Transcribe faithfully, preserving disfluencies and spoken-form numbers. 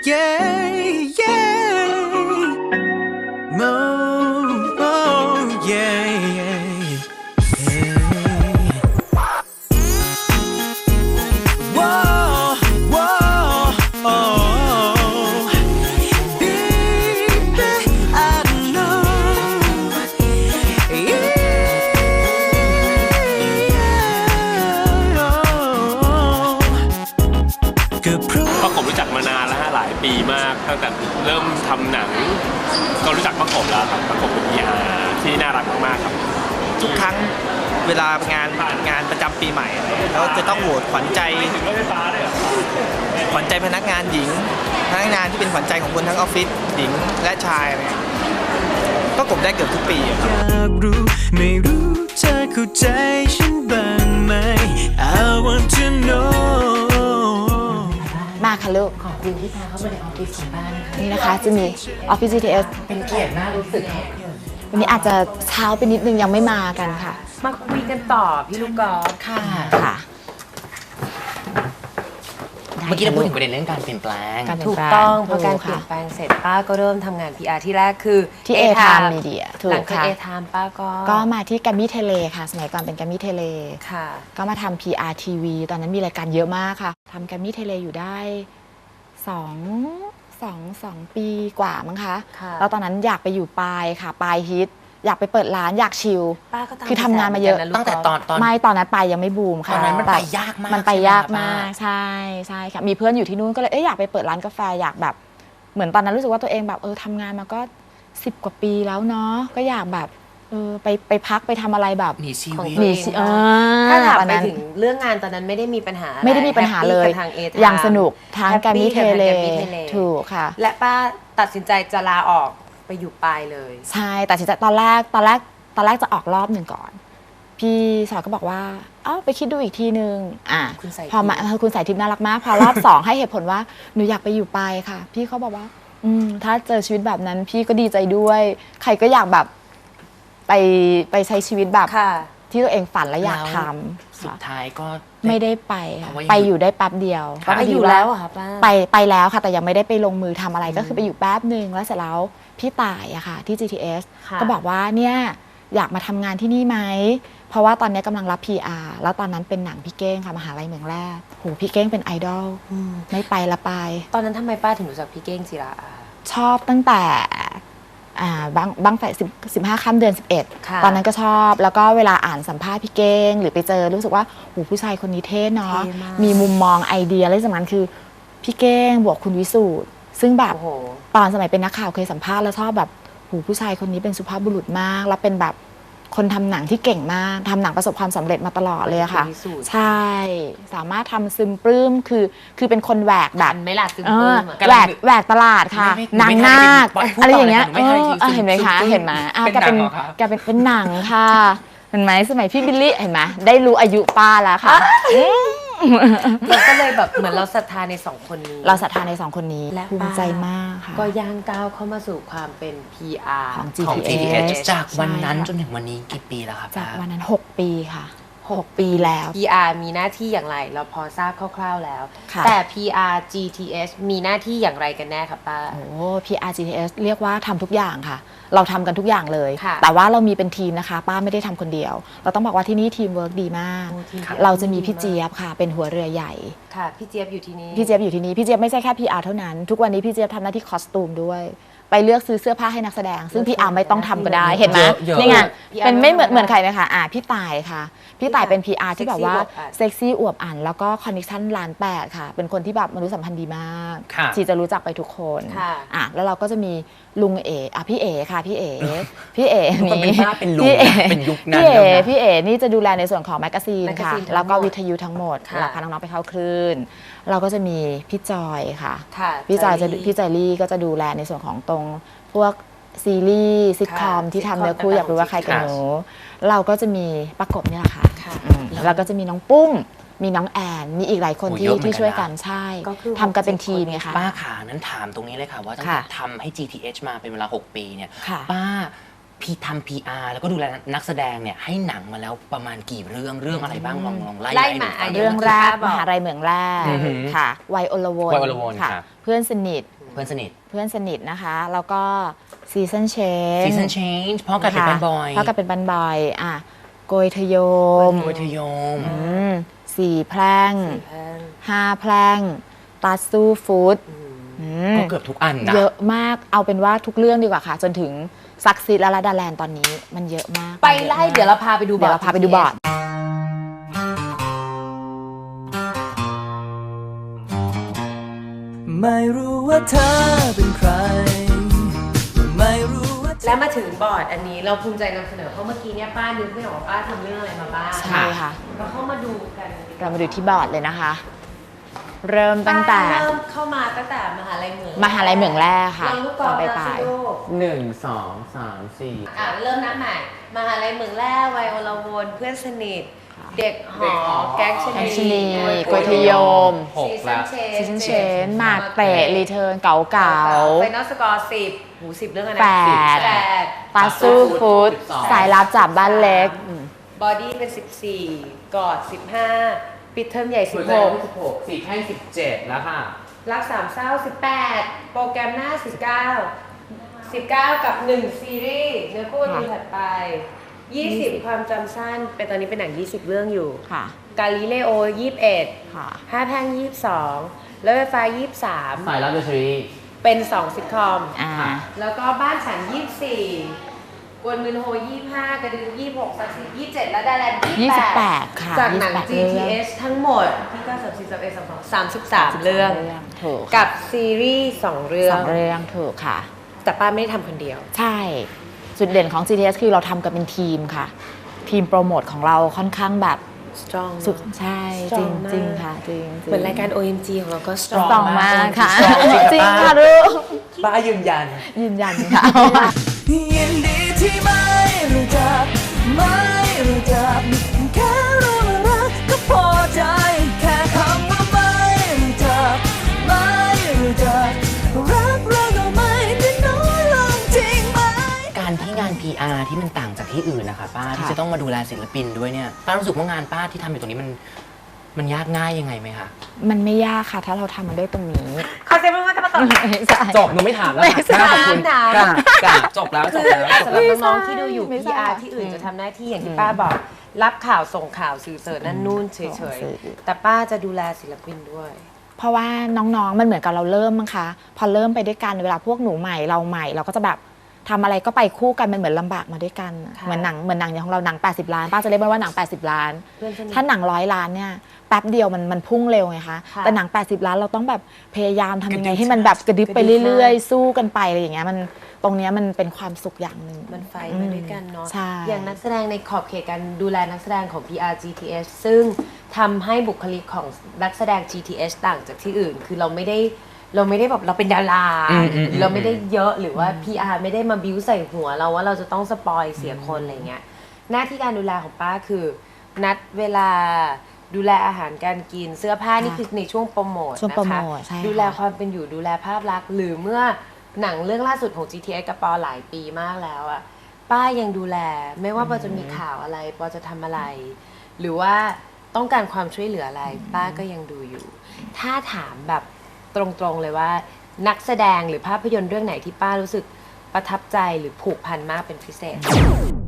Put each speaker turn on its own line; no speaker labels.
yeah yeah no oh yeah yeah whoa whoa oh baby I know yeahก็เพราะ
ป้าขมรู้จักมานานแล้วฮะหลายปีมากตั้งแต่เริ่มทำหนังก็รู้จักป้าขมแล้วครับป้าขมเป็นพีอาร์ที่น่ารักมากๆครับ
ทุกครั้งเวลางานงานประจำปีใหม่อะไรแล้วจะต้องโหวตขวัญใจขวัญใจพนักงานหญิงพนักงานที่เป็นขวัญใจของคนทั้งออฟฟิศหญิงและชายอะไรก็กบได้เกือบทุกปีอย
ากรู้ไม่รู้เธอเข้าใจฉันบ้างไหม I want to know
มาค่ะลูก
ขอบคุณที่พาเข้ามาในออฟฟิศของบ้านนะคะ
นี่นะคะจะมีออฟฟิศ จี ที เอส
เป็นเกียรติน่ารู้สึก
วันนี้อาจจะเช้าไปนิดนึงยังไม่มากันค่ะ
มาคุยกันต่อพี่ลูกกอล์ฟค่ะ
ค่ะ
เมื่อกี้เราพูดถึงประเด็นเรื่องการเปลี่ยนแปลง
ถู
กต้องพอการเปลี่ยนแปลงเสร็จป้าก็เริ่มทำงาน พี อาร์ ที่แรกคือ
ที่ A Time Media ถูกค่ะ
A Time ป้าก็
ก็มาที่แกรมมี่เทเลค่ะสมัยก่อนเป็นแกรมมี่เทเล
ค่ะ
ก็มาทำ พี อาร์ ที วี ตอนนั้นมีรายการเยอะมากค่ะทำแกรมมี่เทเลอยู่ได้สองสองสองปีกว่ามั้งคะแล้วตอนนั้นอยากไปอยู่ปลายค่ะปลายฮิตอยากไปเปิดร้านอยากชิลคือทำงานมาเยอะ
ตั้งแต่ตอนตอน
ไม่ตอนนั้นไปยังไม่บูมค่ะ
ตอนนั้นมันไปยากมาก
มันไปยากมากใช่ใช่ค่ะมีเพื่อนอยู่ที่นู่นก็เลยเอ้ยอยากไปเปิดร้านกาแฟอยากแบบเหมือนตอนนั้นรู้สึกว่าตัวเองแบบเออทำงานมาก็สิบกว่าปีแล้วเนาะก็อยากแบบเออไปไปพักไปทำอะไรแบบ
มีชีวิต
มี
ถ้าถามไปถึงเรื่องงานตอนนั้นไม่ได้มีปัญหา
ไม่ได้มีปัญหาเลยอย่างสนุกทางแกรมมี่เทเลถูกค่ะ
และป้าตัดสินใจจะลาออกไปอยู่ปลายเลย
ใช่แต่สินใจตอนแรกตอนแรกตอนแรกจะออกรอบหนึ่งก่อนพี่สาวก็บอกว่าเอ้าไปคิดดูอีกทีนึงอ่ะพอมาคุณสายทิพย์น่ารักมากพอรอบสองให้เหตุผลว่าหนูอยากไปอยู่ปลายค่ะพี่เขาบอกว่าอืมถ้าเจอชีวิตแบบนั้นพี่ก็ดีใจด้วยใครก็อยากแบบไปไปใช้ชีวิตแบบที่ตัวเองฝันและอยากทำ
สุดท้ายก็
ไม่ได้ไปไปอยู่ได้แป๊บเดียว
ก็ไปอยู่แล้วค่ะป้า
ไปไปแล้วค่ะแต่ยังไม่ได้ไปลงมือทำอะไรก็คือไปอยู่แป๊บนึงแล้วเสร็จแล้วพี่ต่ายอะค่ะที่ จี ที เอส ก็บอกว่าเนี่ยอยากมาทำงานที่นี่ไหมเพราะว่าตอนนี้กำลังรับ พี อาร์ แล้วตอนนั้นเป็นหนังพี่เก้งค่ะมหาลัยเมืองแรกโหพี่เก้งเป็นไอดอลไม่ไปละไป
ตอนนั้นทำไมป้าถึงรู้จักพี่เก้งจิรา
ชอบตั้งแต่บ้างบ้างไฟสิบห้าค่ำเดือนสิบเอ็ดตอนนั้นก็ชอบแล้วก็เวลาอ่านสัมภาษณ์พี่เก้งหรือไปเจอรู้สึกว่าโหผู้ชายคนนี้เท่เนาะมีมุมมองไอเดียและสำคัญคือพี่เก้งบวกคุณวิสูตรซึ่งแบบตอนสมัยเป็นนักข่าวเคยสัมภาษณ์แล้วชอบแบบหูผู้ชายคนนี้เป็นสุภาพบุรุษมากแล้วเป็นแบบคนทำหนังที่เก่งมากทำหนังประสบความสำเร็จมาตลอดเลยค่ะใช่สามารถทำซึมปลื้มคือคือเป็นคนแหวกแบบ
ไม่หลับซึมปลื้ม
แหวกแหวกตลาดค่ะนางนาคอะไรอย่างเงี้ยเห็นไหมคะเห็นไหมแกเป็นแกเป็นเป็นหนังค่ะเห็นไหมสมัยพี่บิลลี่เห็นไหมได้รู้อายุป้าแล้วค่ะ
เราก็เลยแบบเหมือนเราศรัทธาในสองคนนี้
เราศรัทธาในสองคนนี้ภูมิใจมากค่ะ
ก็ย่างก้าวเข้ามาสู่ความเป็น พี อาร์
ของ จี
ที
ที
เอส จากวันนั้นจนถึงวันนี้กี่ปีแล้วครับ
จากวันนั้นหกปีค่ะหกปีแล้ว
พี อาร์ มีหน้าที่อย่างไรเราพอทราบคร่าวๆแล้วแต่ พี อาร์ จี ที เอส มีหน้าที่อย่างไรกันแน่ครับป้า
โอ้ พี อาร์ จี ที เอส เรียกว่าทำทุกอย่างค่ะเราทำกันทุกอย่างเลยแต่ว่าเรามีเป็นทีมนะคะป้าไม่ได้ทำคนเดียวเราต้องบอกว่าที่นี่ทีมเวิร์กดีมากเราจะมีพี่เจี๊ยบค่ะเป็นหัวเรือใหญ่
ค่ะพี่เจี๊ยบอยู่ที่นี่
พี่เจี๊ยบอยู่ที่นี่พี่เจี๊ยบไม่ใช่แค่ พี อาร์ เท่านั้นทุกวันนี้พี่เจี๊ยบทำหน้าที่คอสตูมด้วยไปเลือกซื้อเสื้อผ้าให้นักแสดงซึ่งพี่อาร์ไม่ต้องทำก็ได้เห็นไหมนี่ไงเป็นไม่เหมือนเหมือนใครนะคะอ่าพี่ต่ายค่ะพี่ต่ายเป็น พี อาร์ ที่แบบว่าเซ็กซี่อวบอั่นแล้วก็คอนเนคชั่นล้านแปดค่ะเป็นคนที่แบบมนุษยสัมพันธ์ดีมากที่จะรู้จักไปทุกคนอ่ะแล้วเราก็จะมีลุงเอ๋อ่ะพี่เอ๋ค่ะพี่เอ๋พี่เอ๋นี่พี่เอ๋พี่เอ๋พี่เอ๋นี่จะดูแลในส่วนของแมกกาซีนค่ะแล้วก็วิทยุทั้งหมดเราพาน้องๆไปเข้าคลื่นเราก็จะมีพี่จอยค่ะพี่จอยจะพี่จอยลี่ก็จะดูแลในส่วนของตรงพวกซีรีส์ซิทคอมที่ทำเนื้อคู่อยากรู้ว่าใครกันหนูเราก็จะมีประกบนี่แหละค่ะแล้วก็จะมีน้องปุ้มมีน้องแอนมีอีกหลายคนที่ที่ช่วยกันใช่ทำกันเป็นทีมไงคะ
ป้าขานั้นถามตรงนี้เลยค่ะว่าตั้งแต่ทำให้ จี ที เอช มาเป็นเวลาหกปีเนี่ยป้า
พี่ทำ พี อาร์ แล้วก็ดูแลนักแสดงเนี่ยให้หนังมาแล้วประมาณกี่เรื่องเรื่องอะไรบ้างลองลองไล่
ไล่
ให้หนู
มา
ฟัง
ดี๋ยว
เรื่องแรก
บ
ม
อก
หาลัยเหมืองแร่
อือหือ
ค่ะวัยอลวน
วัยอลวน
ค่ะ
ครับ
เพื่อนสนิท
เพื่อนสนิท
เพื่อนสนิทนะคะ แล้วก็ซีซันเชน
Season Change เพราะกลายเป็นแฟนบอย
เพราะกลายเป็นบันบอยอ่ะโกยทะโยม
โกยทะโยม
อืมสี่แพร่ง
แพง
ห้าแพร่งตาสู้ฟู้ดอืม
ก็เกือบทุกอันนะ
เยอะมากเอาเป็นว่าทุกเรื่องดีกว่าค่ะ จนถึงซักซีดและลาดาแลนด์ตอนนี้มันเยอะมาก
ไปไล่เดี๋ยวเราพาไปดูบอ
เดี๋ยว
ร์ด
เราพาไปดูบอร์ด
ไม่รู้ว่าเธอเป็นใคร ไม่รู้ว่าเธอ
แล้วมาถึงบอร์ดอันนี้เราภูมิใจนำเสนอเพราะเมื่อกี้เนี่ยป้านึกไม่ออกว่าป้าทำเรื่องอะไรมาบ้าง
ใช่ค่ะ
เราเข้ามาดูกัน
เรามาดูที่บอร์ดเลยนะคะ เริ่มตั้งแต่
ป้าเริ่มเข้ามาตั้งแต่มหาลัยเหมือง
มหาลัยเหมืองแร่ค่ะ
ลองลูกก
ต
อ
อน
ล์ฟ
ไป
นะ
ปลาย
สิลูก
หนึ่งสองสามสี่
อ่ะเริ่มนับใหม่มหาลัยเหมืองแร่วัยอลวนเพื่อนสนิท เด็กหอแก๊งช
แก๊งช
นี
นีโกยทะโยม
หกแล้ว
ซีซันเชนหมากเตะรีเทิร์นเก๋าเก๋า
ไฟนอลสกอร์สิบหูสิบเรื่องอะไร
แปด
แปด
ตาสู้ฟู้ดสายลับจากบ้านเล็ก
บอดี้เป็นสิบสี่กอดสิบห้าปิดเทอมใหญ่สิบหก
สิบหกสี่แค่สิบเจ็ดแล้วค่ะ
รักสามเศร้าสิบแปดโปรแกรมหน้าสิบเก้าสิบเก้ากับหนึ่งซีรีส์เนื้อคู่วันถัดไปยี่สิบความจำสั้นเป็นตอนนี้เป็นหนังยี่สิบเรื่องอยู่
ค่ะ
กาลิเลโอยี่สิบเอ็ด
ค่ะ
ห้าแพร่งยี่สิบสองแล้วไฟฟ้ายี่สิบสาม
สายลับเดอะซีรีส์
เป็นสองซิทคอม
อ่า
แล้วก็บ้านฉันยี่สิบสี่กวนมืนโฮยี่สิบห้ากระดึงยี่สิบหกสักสิบยี่สิบเจ็ดและดาแลนด์
ยี่
ยี่
สิ
สิ
บบ แป
แป
ด
ด
ค่ะ
จากหนัง
ยี่สิบแปด
จี ที เอส ทั้งหมดที่ก็สามสิบสามเอ็ดสามสองสามสิบสามเรื่อง
ถูก
กับซีรีส์สองเรื่อ
สอง งเรื่องถูกค่ะ
แต่ป้าไม่ได้ทำคนเดียว
ใช่ จุดเด่นของ จี ที เอส คือเราทำกันเป็นทีมค่ะ ทีมโปรโมทของเราค่อนข้างแบบ
strong
สุดใช่จริง
strong มาก
จริงค่ะจริง
เหมือนรายการ โอ เอ็ม จี ของเราก็
สตร
strong
องมากค่ะ
จ
จ
ริ
ริ
ง
ง
ค่ะ
ค่ะลูก
ป้ายืนยัน
ยืนยันค่ะ
ยินดีที่ไม่รู้จัก ไม่รู้จัก แค่รู้ว่ารักก็พอใจ แค่คำว่าไม่รู้จัก ไม่รู้จัก รักเราก็ไม่ได้น้อยลงจริงไหม
การที่งาน พี อาร์ ที่มันต่างจากที่อื่นนะคะป้าที่
ค่ะ
จะต้องมาดูแลศิลปินด้วยเนี่ยป้ารู้สึกว่างานป้าที่ทำอยู่ตรงนี้มันมันยากง่ายยังไงไหมคะ
มันไม่ยากค่ะ ถ้าเราทำมันด้วยตรงนี้
ขอเสียงปรบมือกับป้าต่อ
ไม่ใช่
จบหนูไม่ถามแล้ว
ไม่
ค่ะ
ใช่
ขอบคุณ
ถาม
กะกะจบแล้วจบแล้วจบ
สำห
แล้
รับ
ว
น้องๆที่ดูอยู่
ไม่
พี
ทราบ
อาร์ ที่อื่นจะทำหน้าที่อย่างที่ป้าบอก รับข่าวส่งข่าวสื่อเสริญนั่นนู่นเฉ
ส่ง
ย
สื่อ
ๆ แต่ป้าจะดูแลศิลปินด้วย
เพราะว่าน้องๆ มันเหมือนกับเราเริ่มมั้งคะ พอเริ่มไปด้วยกันเวลาพวกหนูใหม่เราใหม่เราก็จะแบบทำอะไรก็ไปคู่กันมันเหมือนลำบากมาด้วยกัน
ค่ะ
เหมือนหนังเหมือนหนังอย่างของเราหนังแปดสิบล้านป้าจะเรียกมันว่าหนังแปดสิบล้าน
เพื่อนสนิท
ถ้าหนังร้อยล้านเนี่ยแป๊บเดียวมันมันพุ่งเร็วไงคะ
ค่ะ
แต่หนังแปดสิบล้านเราต้องแบบพยายามทำยังไง
กระดึ๊บ
ให้มันแบบกระดิบไป
กระดิบ
เรื่อยๆ สู้กันไปอะไรอย่างเงี้ยมันตรงเนี้ยมันเป็นความสุขอย่างหนึ่ง
มันไฟมาด้วยกันเนาะ
ใช่
อย่างนักแสดงในขอบเขตการดูแลนักแสดงของ พี อาร์ จี ที เอส ซึ่งทำให้บุคลิกของนักแสดง จี ที เอส ต่างจากที่อื่น คือเราไม่ได้เราไม่ได้แบบเราเป็นดารา
อืมอืมอืม
เราไม่ได้เยอะหรือว่า พี อาร์ ไม่ได้มาบิ้วใส่หัวเราว่าเราจะต้องสปอยเสียคนอะไรเงี้ย หน้าที่การดูแลของป้าคือ นัดเวลาดูแลอาหารการกินเสื้อผ้านี่คือในช่วงโปรโมท
ช่วง
นะ
โปรโม
คะ
ทใช่ค่ะ
ดูแลความเป็นอยู่ดูแลภาพลักษณ์หรือเมื่อหนังเรื่องล่าสุดของ จี ที เอส กับปอหลายปีมากแล้วอะป้ายังดูแลไม่ว่าปอจะมีข่าวอะไรปอจะทำอะไร หรือว่าต้องการความช่วยเหลืออะไร ป้าก็ยังดูอยู่ ถ้าถามแบบตรงๆเลยว่า นักแสดงหรือภาพยนตร์เรื่องไหนที่ป้ารู้สึกประทับใจหรือผูกพันมากเป็นพิเศษ